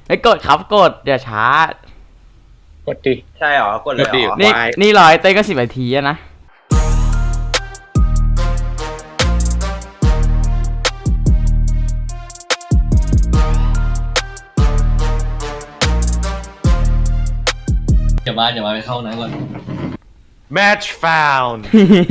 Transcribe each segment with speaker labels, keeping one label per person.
Speaker 1: ไม่กดครับกดอย่าช้าก
Speaker 2: ดดิ
Speaker 3: ใช่เหรอกดเลยเหรอ
Speaker 1: นี่รอยเต้ก็10 นาทีอะนะ
Speaker 4: เดี๋ยวมาไปเข้าห้องน้ำก่อน
Speaker 3: match found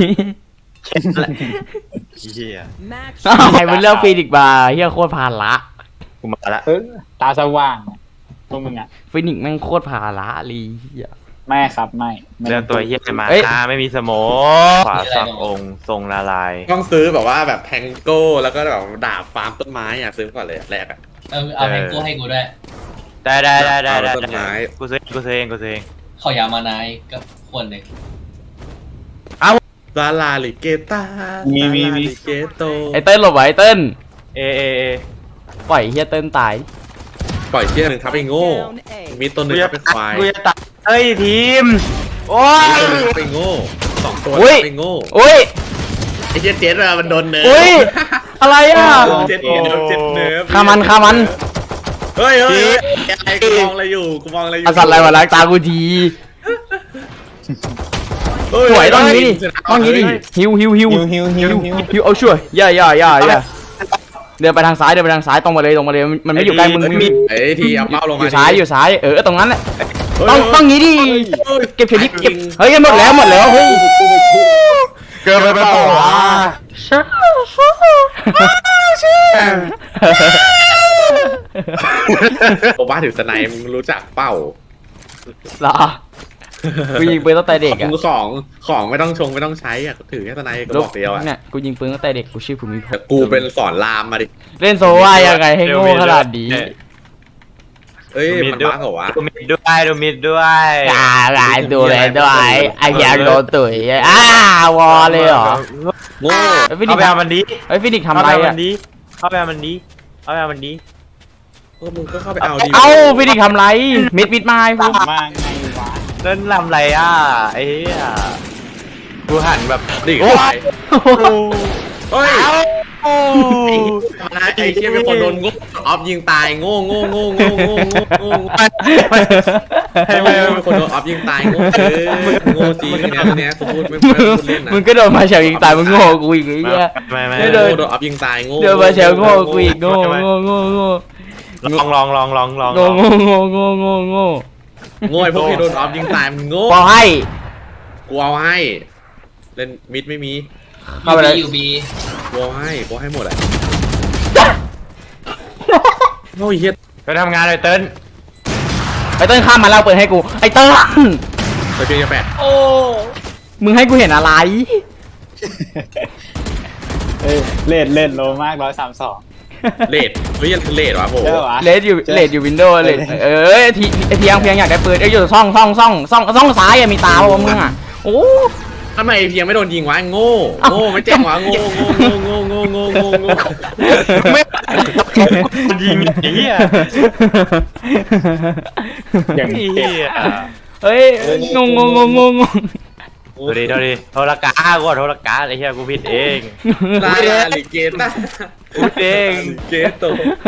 Speaker 3: เฮีย
Speaker 1: ใครเป็นเรื่องฟีนิกซ์บาร์เฮียโคตรภาระ
Speaker 3: กูมาละ
Speaker 2: ตาสว่างพวกมึงอ่ะ
Speaker 1: ฟีนิกซ์แม่งโคตรภาระลีเฮีย
Speaker 2: ไม่ครับไม่
Speaker 3: เรื่องตัวเฮียมา
Speaker 1: เอ้ย
Speaker 3: ไม่มีสโมขวาสักองค์ทรงละลาย
Speaker 5: ต้องซื้อแบบว่าแบบแทงโก้แล้วก็แบบดาบฟาร์มต้นไม้อ่ะซื้อก่อนเลยแรกอ่ะ
Speaker 4: เอาแพงโก้ให้กูด้วย
Speaker 3: ได้
Speaker 5: ต้นไม้
Speaker 3: กูซื้อเอง
Speaker 4: ขอยามานายกับคนหนึ่ง
Speaker 5: ซาลาลิเกตาซาลาลิเกโต
Speaker 1: ไอเติ้ลหลบไว้ไอเติ้ล
Speaker 3: เอ
Speaker 1: ปล่อยเฮียเติ้ลตาย
Speaker 5: ปล่อยเชือกหนึ่งทับไปโง่มีตัวหนึ่งทับไปควาย
Speaker 3: กูจะตัดเฮ้ยทีมโอ้ย
Speaker 5: มีตัวหนึ่งทับไปโง่2 ตัว
Speaker 1: อุ้ย
Speaker 5: ทับไปโง่
Speaker 1: อุ้ย
Speaker 5: ไอ้เจ็ดอะมันโดนเนิร์ฟ
Speaker 1: อุ้ยอะไรอ่ะ
Speaker 5: เจ็ดเนิร์ฟ
Speaker 1: ฆ่ามัน
Speaker 5: เฮ้ยอะไรกูมองอะไรอยู่
Speaker 1: อาสัตว์อะไรวะล้างตากูทีสวยต้องนี้ดิฮิวเอาช่วยอย่าเดินไปทางซ้ายตรงมาเลยมันไม่อยู่ใกล้มึง
Speaker 5: ไอ้ทีเอาเป้าลง
Speaker 1: อ
Speaker 5: มา
Speaker 1: ยู่ซ้ายตรงนั้นแหละต้องงี้ดิเก็บเฉลี่ยเก็บเฮ้ยหมดแล้วเฮ้ย
Speaker 3: เกินไปเปล่าวะ
Speaker 5: โอบ้าถือสไนมึงรู้จักเป้า
Speaker 1: เหรอกูยิงปืนตั้งแต่เด็กอะ
Speaker 5: ของไม่ต้องไม่ต้องใช้อ่ะถือแค่สไนก็บอกเดียวอ่ะ
Speaker 1: เนี่ยกูยิงปืนตั้งแต่เด็กกูชื่อภูมิพ
Speaker 5: แต่
Speaker 1: งศ์
Speaker 5: กูเป็นสอนรามมาดิ
Speaker 1: เล่นโซว่ายังไงให้โง่ขนาดนี้
Speaker 5: เอ้ยมันบ้าเหรอวะ
Speaker 3: ดูมิดด้วย
Speaker 1: อะไรดูเลยด้วยไอ้ยาโดนตุ๋ยวอเลยเหรอ
Speaker 5: โง่
Speaker 3: เข้าไปเอามันดี
Speaker 1: ไอ้ฟินิกทำอะไรอะ
Speaker 3: เข้าไปเอามันดี
Speaker 5: มึงก็เข้าไปเอาดิ
Speaker 1: เอ้าฟินิกทำไรมิดมาไอ้พวก
Speaker 2: มาไงวะ
Speaker 3: เล่นลำไรอ่ะไอ้เหี้ยกูหันแบบ
Speaker 5: ดิ
Speaker 3: โอ้
Speaker 5: ไป
Speaker 3: ย
Speaker 5: เฮ้ย
Speaker 3: โอ้
Speaker 5: ไอ้เชี่ยเป็นคนโดนงูออฟยิงตายโง่เป็นคนโดนออฟยิงตายโง่โง่จริงเนี่ยกูพูดไม่พูดเล่นนะ
Speaker 1: มึงก็โดนมาเฉลยิงตายมึงโง่กูอีกไอ้เหี้ย
Speaker 3: ไม่
Speaker 1: ไม่
Speaker 5: โด
Speaker 1: โด
Speaker 5: นออฟยิงตายโง่
Speaker 1: เดินมาเฉลโง่กูอีกโง่
Speaker 3: ลอง
Speaker 1: โง่
Speaker 5: โง่ไอ้พวกที่โดนออฟยิงตายมันโง่
Speaker 1: พอให้
Speaker 5: กูเอาให้เล่นมิดไม่มี
Speaker 1: เข้าไปเลย
Speaker 4: ยูบี
Speaker 5: กูให้หมดอ่ะโอ้ยเฮีย
Speaker 3: ไปทำงานเลยเติ้ล
Speaker 1: ไอ้เติ้ลข้ามมาแล้วเปิดให้กูไอ้เติ้ล
Speaker 5: ไปเพียงแปด
Speaker 1: มึงให้กูเห็นอะไร
Speaker 2: เล่นโลมาก132
Speaker 5: เลดเฮ้ยเลดวะโห
Speaker 2: เจอวะ
Speaker 1: เลดอยู่วินโดว์เลดเพียงอยากได้ปืนอยู่ซ่องซ้ายมีตาป่ะมึงอ่ะโอ้
Speaker 5: ทำไมเพียงไม่โดนยิงวะโง่ไม่แจ้งวะโง่
Speaker 3: ไม่ยิงไอ้เหี้ย
Speaker 2: อย่าง
Speaker 3: ไอ้
Speaker 2: เก่
Speaker 3: เหี้
Speaker 2: ง
Speaker 3: ย
Speaker 1: เฮ้ยงง
Speaker 3: ดูดิโทรกาไอ้เหี้ยกูผิดเอง
Speaker 5: ลาลิเกต้า
Speaker 3: กูผิดเอง
Speaker 5: เกโต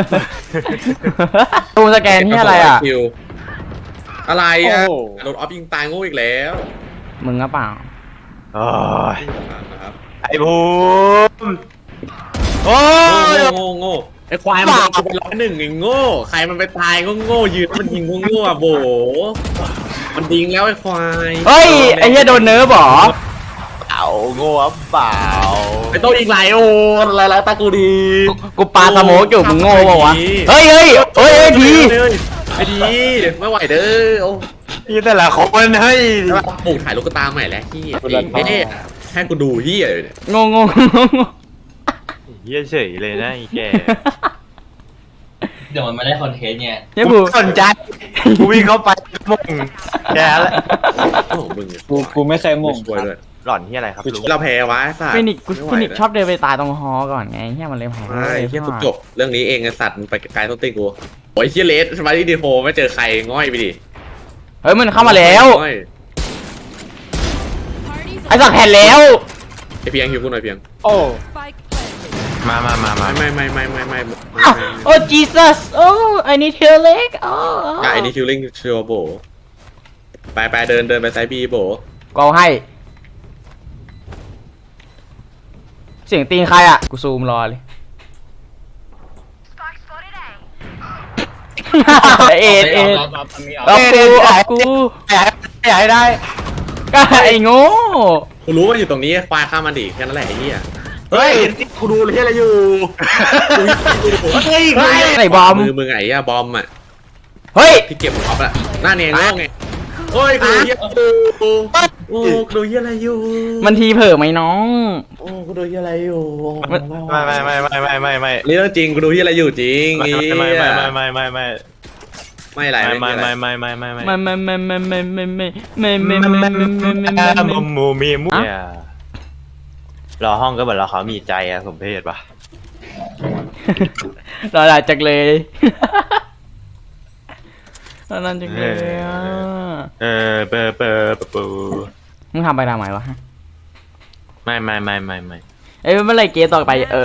Speaker 1: ตูสแกนที่อะไรอ่ะ
Speaker 5: อะไรอ่ะโดนออฟยิงตายโง่อีกแล้ว
Speaker 1: มึงอ่ะเปล่า
Speaker 3: โอ้ย
Speaker 5: นะครับ
Speaker 3: ไอ้ภูมิโอ้ย
Speaker 5: โง่ไอ้ควายมันกูเป็น101ไอ้โง่ใครมันไปตายโง่ยืนมันยิงโง่อ่ะโบมันดิงแล้วไอ้ควาย
Speaker 1: เฮ้ยไอ้เหี้ยโดนเนิร์ฟหรอ
Speaker 3: เอาโง่เปล่า
Speaker 5: ไอ้โต้อีกหลายโอ้อะไรตากูดี
Speaker 1: กูปาสโมกอยู่มึงโง่ป่าวะเฮ้ยที
Speaker 5: ไอ้ดีไม่ไหวเด้อโอ้
Speaker 3: ยี่แต่ละคนเฮ้ย
Speaker 5: ปลูกถ่ายลูกตาใหม่แล้วที่ให้กูดูที่อะไรเนี่ย
Speaker 1: งง
Speaker 3: เหี้ยเฉยเลยนะไอ้แก
Speaker 4: เดี๋ยวมันไม่ได้คอนเทนต์ไง
Speaker 1: เนี่ย
Speaker 3: กูสนใจกูวิ่งเข้าไปมุ่งแกแล้ว
Speaker 5: โอ้มึง
Speaker 2: กูไม่เคยมุ่ง
Speaker 5: ช่วยด้วย
Speaker 3: หล่อนที่อะไรครับ
Speaker 5: กู
Speaker 3: ลุง
Speaker 5: เราแพ้วะสัตว์
Speaker 1: ฟินิกชอบเดินไปตายตรงฮอก่อนไงเหี้ยมันเลยแพ้
Speaker 5: ใช่เฮียกูจบเรื่องนี้เองไอ้สัตว์ไปไกลต้นตีกูโอ้ยเฮียเลสสมาร์ทดีโฟไม่เจอใครง่อยไปดิ
Speaker 1: เฮ้ยมันเข้ามาแล้วไอ้สักแผ่นแล้ว
Speaker 5: ไอเพียงหิวกูหน่อยเพียง
Speaker 2: โอ้
Speaker 3: มา
Speaker 1: โอ้ Jesus โอ้ I need healing โอ้
Speaker 5: ไอ้นี่คิวลิงเชียวโบไปเดินไปไซบีโบ
Speaker 1: กูเอาให้ เสียงตีนใครอ่ะ กูซูมรอเลยเอ็ด
Speaker 2: เอา
Speaker 1: เอากู
Speaker 3: อยากให้ได้
Speaker 1: ก็ไอ้โง่
Speaker 5: กูรู้ว่าอยู่ตรงนี้ควายข้ามมันดิแค่นั้นแหละไอ้เหี้ย
Speaker 3: เฮ้ยกูดูเลยอะไรอยู่เฮ้ย
Speaker 1: ไอ้บอม
Speaker 5: มือไงอะบอมอะ
Speaker 1: เฮ้ย
Speaker 5: ที่เก็บออฟอะหน้าเนียงโง่ไงโอ้ยกูดูเหี้ยโอ้กูดูเหี้ยอะไรอยู่
Speaker 1: มันทีเผลอไหมน้อง
Speaker 5: โอ้กูดูเหี้ยอะไรอยู่
Speaker 3: ไม่
Speaker 5: นี่เรื่องจริงกูดูเหี้ยอะไรอยู่จริงไอ้เหี้ย
Speaker 3: ไม่
Speaker 5: ไม่อะไร
Speaker 1: ไม่
Speaker 3: มูมีมูรอห้องก็เหมือนเราเขามีใจอะสมเพศปะ
Speaker 1: รอหลายจักเลยรอนานจักเลยอ่ะ
Speaker 3: เปิด
Speaker 1: มึงทำไปทำไมวะ
Speaker 3: ไม่
Speaker 1: เอ้ยเมื่อไรเกมต่อไปเ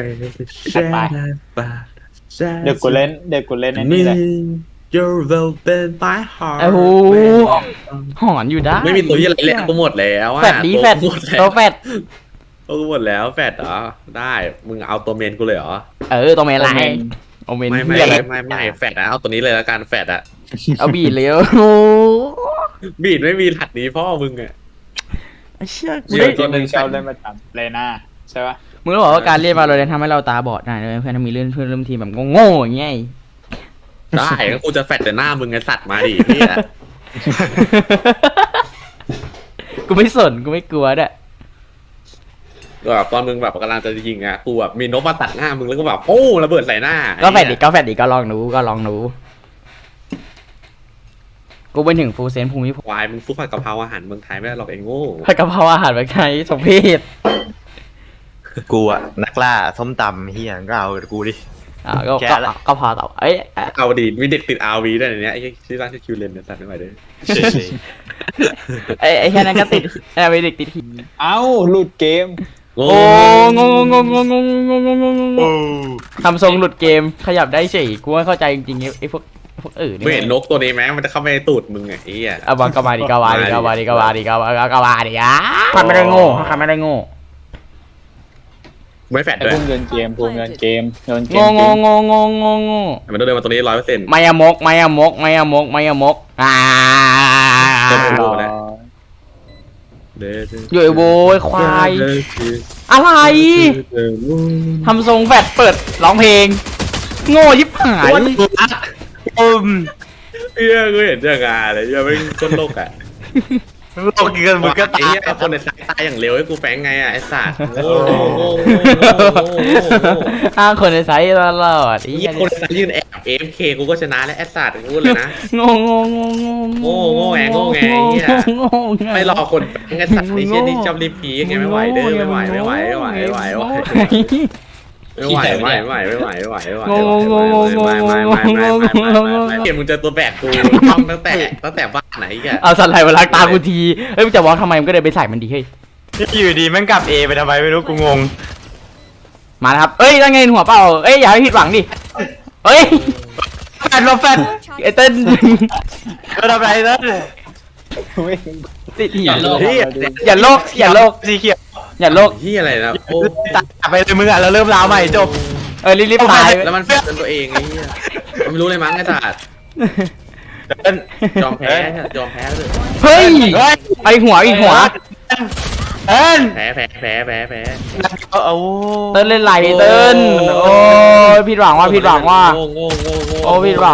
Speaker 2: เดี๋ยวกูเล่นไอ้นี่แหละ
Speaker 5: Your velvet by heart
Speaker 1: ไอ้โหหอนอยู่ได้
Speaker 5: ไม่มีตัวเหี้ยอะไรแล้วกูหมดแล้วอะ
Speaker 1: แฟดดีแฟดตัวแฟด
Speaker 5: กูหมดแล้วแฟดเหรอได้มึงเอาตัวเมนกูเลยเหรอ
Speaker 1: ตัวเมนไรโอเมน
Speaker 5: ไม่
Speaker 1: เหี้ยอะไร
Speaker 5: แฟดนะเอาตัวนี้เลยละกันแฟดอะ
Speaker 1: เอาบีดเลยโอ้
Speaker 5: บีดไม่มีถัดนี้พ่อมึงอะ
Speaker 1: เชี่ยกู
Speaker 2: เดี๋
Speaker 1: ได้
Speaker 2: ยวตัวหนึ่งชอบเล่นประจำเลน่าใช่ปะ
Speaker 1: มึงรู้ว่าการเรียนมาเราเรียนทำให้เราตาบอดได้เลยเพื่อนมีเรื่องเพื่อนร่วมทีมแบบโง่ๆอย่างเงี้ย
Speaker 5: ได้ก็กูจะแฟดแต่หน้ามึงไงสัตว์มาดิพี่อะ
Speaker 1: กูไม่สนกูไม่กลัวด้วย
Speaker 5: แบบตอนมึงแบบกำลังจะยิงอะกูแบบมีนกมาตัดหน้ามึงแล้วก็แบบโอ้ระเบิดใส่หน้า
Speaker 1: ก็แฟดดิก็ลองดูกูไปถึงฟูลเซนภูมิพล
Speaker 5: ควายมึงซุปผัดกะเพราอาหารเมืองไทยไม่ได้หรอกไอ้โง่
Speaker 1: ผัดกะเพราอาหารแบบไทยสมเพศ
Speaker 3: กูอะนักล่าส้มตำเฮียก็เอากูดิ
Speaker 1: ก็พอต่อเอ้ย
Speaker 5: เอาดีมีเด็กติด RV ด้วยในเนี้ยไอ้ชื่อร้านชื่อคิวเลนเนี่ยตัดไม่ไหวเลย
Speaker 1: ไอ้แค่นั้นก็ติดไปเด็กติดหิน
Speaker 2: เอ้าหลุดเกม
Speaker 5: โง่
Speaker 1: โอ้งทำทรงหลุดเกมขยับได้เฉยกูไม่เข้าใจจริงๆไอ้พวกนี่
Speaker 5: ไม่เห็นนกตัวนี้ไหมมันจะเข้าไปในตูดมึงไงไอ้เหี้ย
Speaker 1: เอาบังก็มาดิอ่ะทำไม่ได้โง่
Speaker 5: ไม่แฟด
Speaker 2: ไอ้
Speaker 5: ด้วย
Speaker 2: พุ่งโยนเกมโยนเกม
Speaker 1: โง่
Speaker 5: มันต้องเดินมาตรงนี้100%
Speaker 1: ไม่อะมกอยู่ไอ้โวยควายอะไรทำทรงแฟดเปิดร้องเพลงโง่ยิบหาย
Speaker 5: เหี้ยกูเห็นเจองานเลยเหี้ยไม่ต้นโลกอ่ะ
Speaker 3: โลกเกินมึงก็
Speaker 5: ไอ้เหี้ยคนในสายตายอย่างเร็วให้กูแฝงไงอ่ะไอ้สัตว์โง่
Speaker 1: คนในไซส์ตลอด
Speaker 5: ไอ้เหี้ยคนในสายยืนแอบ AFK กูก็ชนะแล้วไอ้สัตว์กูเลยนะ
Speaker 1: โง่
Speaker 5: ไอ้เหี้ยไม่รอคนแฝงไอ้สัตว์ไอ้เหี้ยนี่ชอบรีพีไงไม่ไหวเด้อไม่ไหวไม่ไหวเกมมึงเจอตัวแบกกูต้องตั้งแต่บ้านไหนแก
Speaker 1: เอาสไลด์มาล้างตากูทีเฮ้ยมึงจะวอล์กทำไมมึงก็เดินไปใส่มันดีเฮ้ย
Speaker 3: อยู่ดีแม่งกลับ A ไปทำไมไม่รู้กูงง
Speaker 1: มาแล้วครับเอ้ยตั้งไงหัวเปล่าเอ้ยอย่าให้ผิดหวังดิเฮ้ยแฟดไอ้เต้น
Speaker 3: ก็ทำไรเต้น
Speaker 1: ติดหิ
Speaker 4: อย่าโลภ
Speaker 1: อย่าโลก
Speaker 3: สีเขียว
Speaker 1: อย่าโลก
Speaker 5: ที่อะไรนะโอ้
Speaker 3: ตัดไปเลยมึงอ่ะแล้วเริ่มราวใหม่จบ
Speaker 1: รีบตาย
Speaker 5: แล้วมันแฝงตัวเองไอ้เหี้ยมันไม่รู้เลยมั้งไอ้สัตว์ยอมแพ้เลย
Speaker 1: เฮ้ยไอหัวอีกหัว
Speaker 3: เต้น
Speaker 5: แพ้
Speaker 3: เอา
Speaker 1: เต้นเล่นไหลเต้นโอ้ยผิดหวังว่าโอ้ผิดหวังว่าโอ้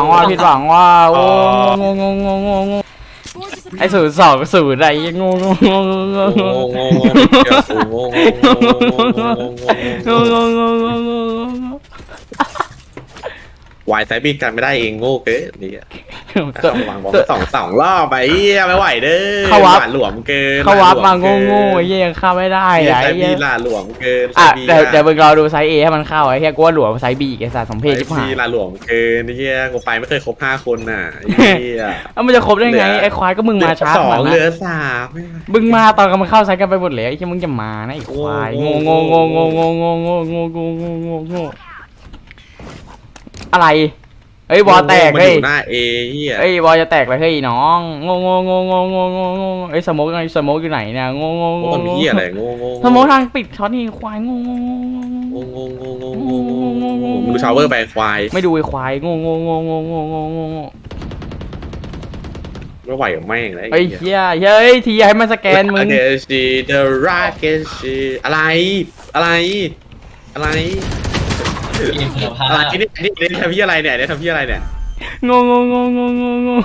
Speaker 1: งไอ02อะไรงง
Speaker 5: วายไซบีกันไม่ได้เองโง่เกินนี่ต้องวางบอลสองรอบไปเหี้ยไม่ไหวเด้อ
Speaker 1: เข้าวับ
Speaker 5: หลานหลวมเกิน
Speaker 1: เขาวับมาโง่ๆไอ้เหี้ยยังเข้าไม่ได้
Speaker 5: ไอ้
Speaker 1: ไอ้
Speaker 5: ไซบี
Speaker 1: เหี้ย
Speaker 5: หลานหลวมเกิน
Speaker 1: อ่ะเดี๋ยวมึงรอดูไซส์ A ให้มันเข้าไอ้เหี้ยกูว่าหลวมไซส์ B ไอ้สัตว์สมเพศที่
Speaker 5: ไซ
Speaker 1: ผ่าน
Speaker 5: บีหลานหลวมเกินไอ้เหี้ยกูไปไม่เคยครบ5 คนน่ะไอ้เหี้ย
Speaker 1: เอ้ามันจะครบได้ไงไอ้ควายก็มึงมาช้า
Speaker 5: สอง
Speaker 1: กว่า
Speaker 5: เหลื
Speaker 1: นะ
Speaker 5: อ3
Speaker 1: มึงมาตอนกำลังเข้าไซส์กันไปหมดแล้วไอ้เหี้ยมึงจะมานะไอ้ควายโง่โง่โง่โง่โง่โง่โง่โง่โง่โง่โง่โง่อะไรเฮ้ยบอลแตก
Speaker 5: มัน
Speaker 1: เฮ้
Speaker 5: อย ยู่หน้าเอเหี้ย
Speaker 1: เฮ้ยบอลจะแตกเลยเฮ้ยน้องโง่โง่โง่โง่โง่โง่โง่เฮ้ยสโมกไงสโมกอยู่ไหนเนี่ยโง่โง่
Speaker 5: โอ้
Speaker 1: โง่
Speaker 5: มันเหี้ยอะไรโง่โง่
Speaker 1: สโมกทางปิดช็อตนี่ควายโง่โง่โง่
Speaker 5: โง่โง่โง่โง่โง่โง่โง่มึงดูชาวเวอร์ไปควาย
Speaker 1: ไม่ดูไอ้ควายโง่โง่โง่โง่โง่โง่โง่โง่
Speaker 5: ไม่ไหวกับแม่งเลย
Speaker 1: เฮ้ยเฮียเฮ้ยทีให้มันสแกนมึง
Speaker 5: เดชีเดอะราเกชีอะไรอะไรอะไร
Speaker 4: เกมคุณภาพ
Speaker 5: อะไรนี่ทำพี่อะไรเนี่ยทำพี่อะไรเนี่ย
Speaker 1: โง่โง่โง่โง่โง่โง่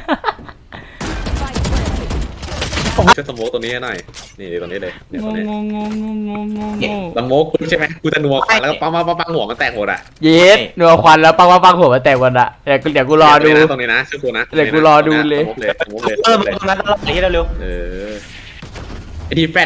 Speaker 5: จะสโมกตัวนี้หน่อยนี่ตัวนี้เลยเนี่ย
Speaker 1: โง่
Speaker 5: ตัวนี้
Speaker 1: โง่โง่โง่โง่โง่โง่
Speaker 5: สโมกกูใช่ไหมกูจะนัวควันแล้วก็ปังหัวมันแตกหมดอ่ะ
Speaker 1: เย็ดนัวควันแล้วปังหัวมาแตกวันละเดี๋ยวกูรอดู
Speaker 5: ตรงนี้นะชื่อกูนะ
Speaker 1: เดี๋ยวกูรอดูเลย
Speaker 5: สโมกเลย
Speaker 3: มึงทำนั้นตลอดไอ้เหี้ยเร็ว
Speaker 5: เออไอทีแฟด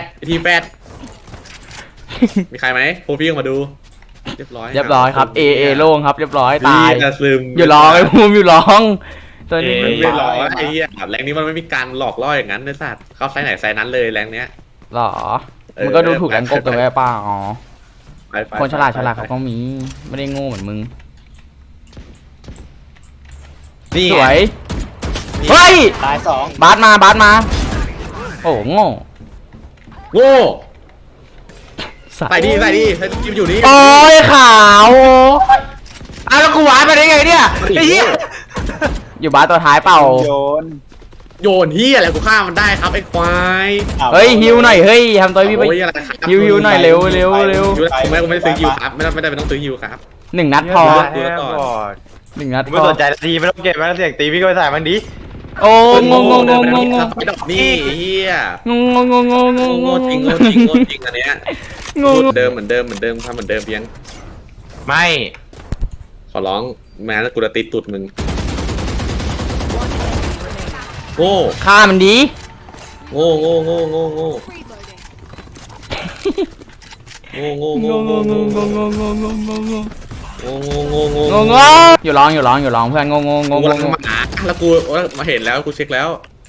Speaker 5: มีใครไหมโปรฟี่มาดูเรียบร้อย
Speaker 1: ครับเอโล่งครับเรียบร้อยตาย
Speaker 5: จะซึม
Speaker 1: อยู่ร้องไอ้ภูมิอยู่ร้องตัวนี้
Speaker 5: ไม่หลอกไอ้เหี้ยแรงนี้มันไม่มีการหลอกล่ออย่างนั้นนะสัตว์เข้าไซไหนไซนั้นเลยแรงเนี้ย
Speaker 1: หรอมันก็ดูถูกแรงกบตัวไอ้ป้าอ๋อ
Speaker 5: ไป
Speaker 1: คนฉลาดเขาก็มีไม่ได้โง่เหมือนมึง
Speaker 5: นี่
Speaker 1: สวยเฮ้ย
Speaker 2: ตาย2
Speaker 1: บาสมาโอ้โง่
Speaker 5: โง่
Speaker 1: สัตว์
Speaker 5: ใส่ดีกิมอยู่นี่
Speaker 1: โอ้ยขาวอ้าวแล้วกูหวานไปได้ไงเนี่ยไอ้เหี้ยอยู่บาสตัวท้ายเปล่า
Speaker 2: โยน
Speaker 5: เฮียอะไรกูฆ่ามันได้ครับไอ้ควาย
Speaker 1: เฮ้ยฮิวหน่อยเฮ้ยทำตัวพี่ไป
Speaker 5: โอ้ยอะไรครับ
Speaker 1: ฮิวหน่อยเร็ว
Speaker 5: ฮิวไม่กูไม่ได้ซื้อฮิวครับไม่ได้ต้องซื้อฮิวครับ
Speaker 1: 1 นัดพอ
Speaker 3: แค่ก่อน
Speaker 1: 1 นัด
Speaker 3: ไม่
Speaker 1: พอ
Speaker 3: สนใจทีไม่ต้องเก็บไม่ต้องเสียงตีพี่ก็ไปใส่มันดิ
Speaker 1: โอ้งง
Speaker 5: ไปดอกนี่เฮีย
Speaker 1: งง
Speaker 5: โง่จริงอันเนี้ย
Speaker 1: งง
Speaker 5: เดิมเหมือนเดิมทำเหมือนเดิมเพียง
Speaker 3: ไม่
Speaker 5: ขอร้องแม้แล้วกูจะติดตุดมึงโง่
Speaker 1: ฆ่ามันดี
Speaker 5: โง่
Speaker 1: งงอยู่ร้องเพื่อนงง
Speaker 5: กูกำลังมาแล้วกูมาเห็นแล้วกูเช็คแล้ว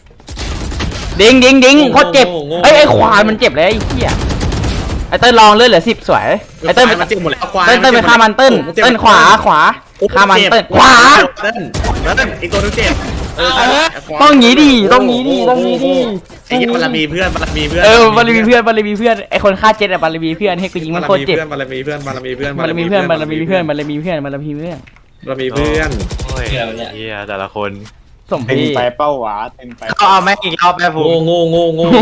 Speaker 1: ดิ้งโคตรเจ็บไอ้ควายมันเจ็บเลยไอ้เหี้ยไอ้เต้นลองเลือดเหลือ10สวยไอ้เต้น
Speaker 5: มันเจ็บหมดแล้วควาย
Speaker 1: เต้นไปฆ่ามันเต้นขวาฆ่ามันเต้นขวา
Speaker 5: เต้นอีกตัวนึงเจ็บ
Speaker 1: ต้องงี้ดิ
Speaker 5: ไอ้ยี่บารมีเพื่อน
Speaker 1: บารมีเพื่อนไอ้คนฆ่าเจ็ดอะบารมีเพื่อนให้กูยิงมันโคตรเจ็บบ
Speaker 5: ารมีเพื่อน
Speaker 1: บารมีเพื่อน
Speaker 3: โอ้ยเหี้ยแต่ละคน
Speaker 1: สม
Speaker 2: เต็ม
Speaker 1: พี่
Speaker 2: ไปเป้าหวาเต็มไป
Speaker 3: เอาแม่งอีกรอบแม่ผม
Speaker 5: โง่
Speaker 1: ง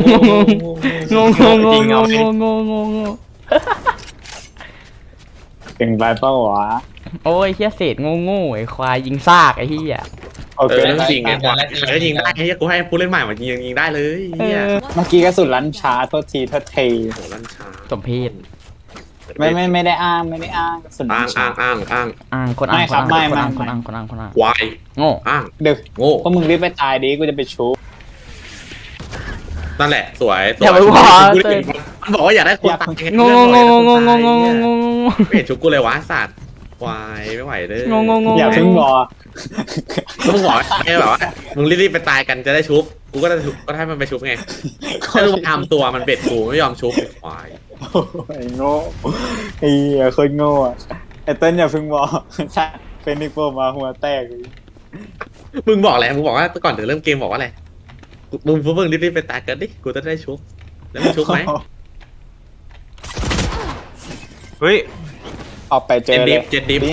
Speaker 2: เต็มไปเป้าหวา
Speaker 1: โอ้ยเฮียเศษโง่ไอ้ควายยิงซากไอ้เฮีย
Speaker 2: โอเค
Speaker 5: เรื่องจริงไงควายก็ยิงได้ไอ้ยี่กูให้ผู้เล่นใหม่มายิงได้เลยเฮีย
Speaker 2: เมื่อกี้กระสุนลันช้าโทษที
Speaker 5: โหลั่นช้า
Speaker 1: สมเพศ
Speaker 2: ไม่ได้อ้างกระสุนลันช้า
Speaker 5: อ้าง
Speaker 1: คนอ้าง
Speaker 5: ควาย
Speaker 1: โง่
Speaker 5: อ้าง
Speaker 2: เดี๋ยว
Speaker 5: โง่
Speaker 2: พวกมึงรีบไปตายดิกูจะไปชู
Speaker 5: นั่นแหละสวย
Speaker 1: อย่าไปพอ
Speaker 5: มันบอกว่าอยากได้คนตาย
Speaker 1: งง
Speaker 5: ไม่เห็นชุกกูเลยวะสัตว์ควายไม่ไหวเลย
Speaker 2: อย่าเพิ่งรอ
Speaker 5: มึงบอกไงแบบว่ามึงรีบไปตายกันจะได้ชุบกูก็ได้ชุบก็ให้มันไปชุบไงถ้ามึงทำตัวมันเบ็ดกูไม่ยอมชุบควาย
Speaker 2: ไอ้โง่ไอ้เหี้ยโคตรโง่อะไอ้เต้นอย่าเพิ่งบอกใช่เป็นนิโป้มาหัวแตก
Speaker 5: มึงบอกอะไรมึงบอกว่าก่อนถึงเริ่มเกมบอกว่าอะไรมึงรีบไปตายกันดิกูจะได้ชุบแล้วมึงชุบไหม
Speaker 3: เฮ้ย
Speaker 2: ออกไปเจอเลย
Speaker 5: เจ็ดดิฟ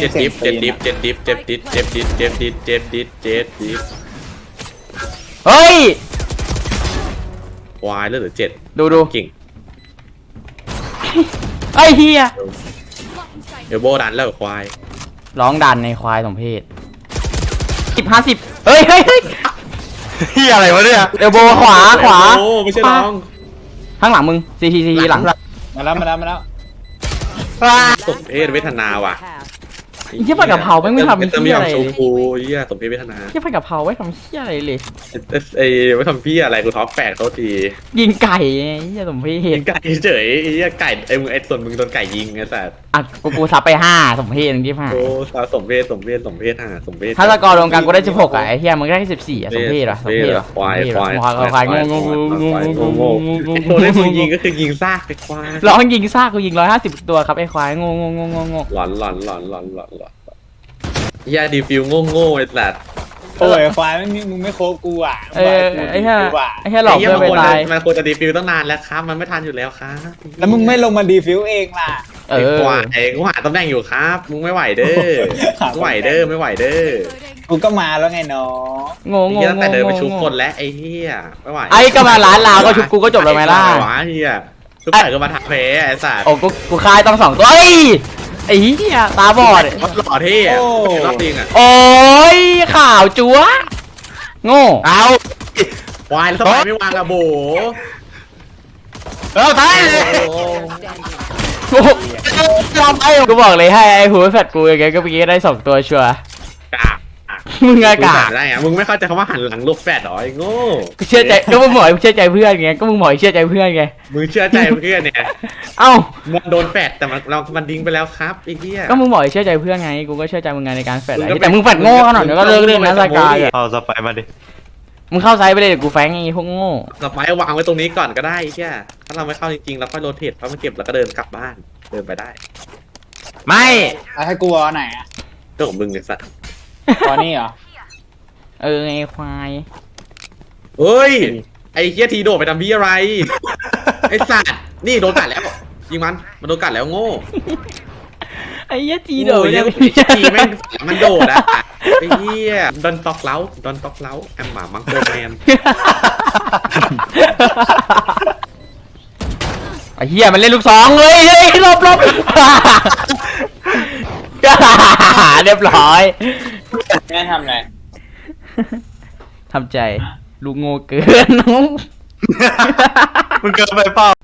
Speaker 1: เฮ้ย
Speaker 5: ควายแล้วเหลือ7
Speaker 1: ดู
Speaker 5: เก่ง
Speaker 1: ไอ้เฮีย
Speaker 5: เอลโบดันแล้วควาย
Speaker 1: ร้องดันในควายสมเพศ50เฮ้ย
Speaker 3: เหี้ยอะไรวะเนี่ย
Speaker 1: เอลโบขวา
Speaker 5: โอ้ไม่ใช่น้อง
Speaker 1: ข้างหลังมึงซีหลัง
Speaker 2: มาแล้ว
Speaker 5: ตกเวทนาว่ะ
Speaker 1: เหี้ยผัดกะเพราไม่ทำ
Speaker 5: ไม่
Speaker 1: เหี้ย
Speaker 5: ยอ
Speaker 1: อะ
Speaker 5: ม
Speaker 1: ไร
Speaker 5: ชุบ
Speaker 1: เลย
Speaker 5: กูเหี้ยสมเพชพัฒนา
Speaker 1: เหี้ยผัดกะเพราไม่ทำเหี้ยอะไรเลย
Speaker 5: ไอ้ไม่ทำพี่อะไรกูท็อป8เขาที
Speaker 1: ยิงไก่ไงเหี้ยสมเพ
Speaker 5: ยิ
Speaker 1: ศ
Speaker 5: งไก่เฉยไอ้เหี้ยไก่ไอ้มึงไอ้ส่วนมึงโดนไก่ยิงไอ้สัส
Speaker 1: อ่ะกูซับไป5สมเพศที่5
Speaker 5: โอ้สมเพศ
Speaker 1: ถ้าสกอร์รวมกันกูได้16อ่ะไอ้เหี้ยมึงได้14อ่ะสมเพศเหรอสมเพศเหรอ
Speaker 5: ควาย
Speaker 1: ควายงงง
Speaker 5: ตัวที่มึงยิงก็คือยิงซากไอ้ควาย
Speaker 1: ร้องยิงซากกูยิง150ตัวครับไอ้ควายงง
Speaker 5: หลอนเหี้ยดีฟิวโง่ไอ้สัส
Speaker 2: โอ้ยควายไม่มีมึงไม่โคบกูอ่ะ
Speaker 1: ไอ้เหี้ยหลอกเพื่อนไปตาย
Speaker 5: มันควรจะดีฟิวตั้งนานแล้วครับมันไม่ทันอยู่แล้วครับ
Speaker 2: แล้วมึงไม่ลงมาดีฟิวเองล่ะ
Speaker 1: เออ
Speaker 5: กูหาตำแหน่งอยู่ครับ มึงไม่ไหวเด้อไม่ไหวเด้อ
Speaker 2: กูก็มาแล้วไงน้อง
Speaker 1: ง
Speaker 5: เฮียตั้งแต่เดินไปชุบคนแล้วไอ้เฮียไม่ไหว
Speaker 1: ไอ้ก็มาร้านลาวก็ชุบกูก็จบแล้วไหมล่ะ
Speaker 5: วะเฮียชุบไก่ก็มาทักเพไอ้สัส
Speaker 1: โอ้กูคายต้อง2ตัวเอ้ยไอ้เหี้ยตาบอด
Speaker 5: มันหล่อเท่รอบจริงอ่ะ
Speaker 1: โอ้ยข่าวจั๊วโง่
Speaker 5: เอาควายแล้วทำไมไม่วางอะโบ
Speaker 1: ตายเลยกูบอกเลยให้ไอ้หัวแฟดกูอย่างเงี้ยก็เมื่อกี้ได้2ตัวชัวร์
Speaker 5: กาก
Speaker 1: มึงกาก
Speaker 5: ได้ไงมึงไม่เข้าใจคำว่าหันหลังลูกแฟดหรอไอ้โง่
Speaker 1: กูเชื่อใจก็มึงบอกให้เชื่อใจเพื่อนไงก็มึงบอกให้เชื่อใจเพื่อนไง
Speaker 5: มึงเชื่อใจเพื่อนเนี่ย
Speaker 1: เอ้า
Speaker 5: มันโดนแฟดแต่มันดิ้งไปแล้วครับไอ้เหี้ย
Speaker 1: ก็มึงบอกให้เชื่อใจเพื่อนไงกูก็เชื่อใจมึงไงในการแฟดแต่มึงแฟดโง่ขนาดนี้ก็เลิกเล่นนะรายการ
Speaker 3: เอาสไปมาดิ
Speaker 1: มึงเข้าไซส์ไปเลยเดี๋ยวกูแฟงไอ้พวกโง่
Speaker 5: สไปร์วางไว้ตรงนี้ก่อนก็ได้ไอ้เหี้ยถ้าเราไม่เข้าจริงๆเราค่อยโรเทตเพราะมันเก็บแล้วก็เดินกลับบ้านเดินไปได้
Speaker 3: ไม่
Speaker 2: เอาให้กูเอาไหนอ่ะ
Speaker 5: เรื่องของมึงเนี่ยสัตว์
Speaker 2: ตอนนี้เหรอ
Speaker 1: ไอ้ควาย
Speaker 5: เฮ้ยไอ้เหี้ยทีโดดไปทำพี่อะไร ไอ้สัตว์นี่โดนกัดแล้วยิงมันโดนกัดแล้วโง่
Speaker 1: ไอ้เหี้ยจีโด
Speaker 5: โอ้ย
Speaker 1: เนี่ย
Speaker 5: ทีแม่งมันโดดอะไอ้เหี้ยดอนตอกเล้าแอมหมามังโกแมน
Speaker 1: ไอ้เหี้ยมันเล่นลูกสองเลยเฮ้ยหลบ เรียบร้อย
Speaker 2: แม่ทำอะไร
Speaker 1: ทำใจลูกโง่เกินน้อง
Speaker 3: มึงเกินไปเปล่า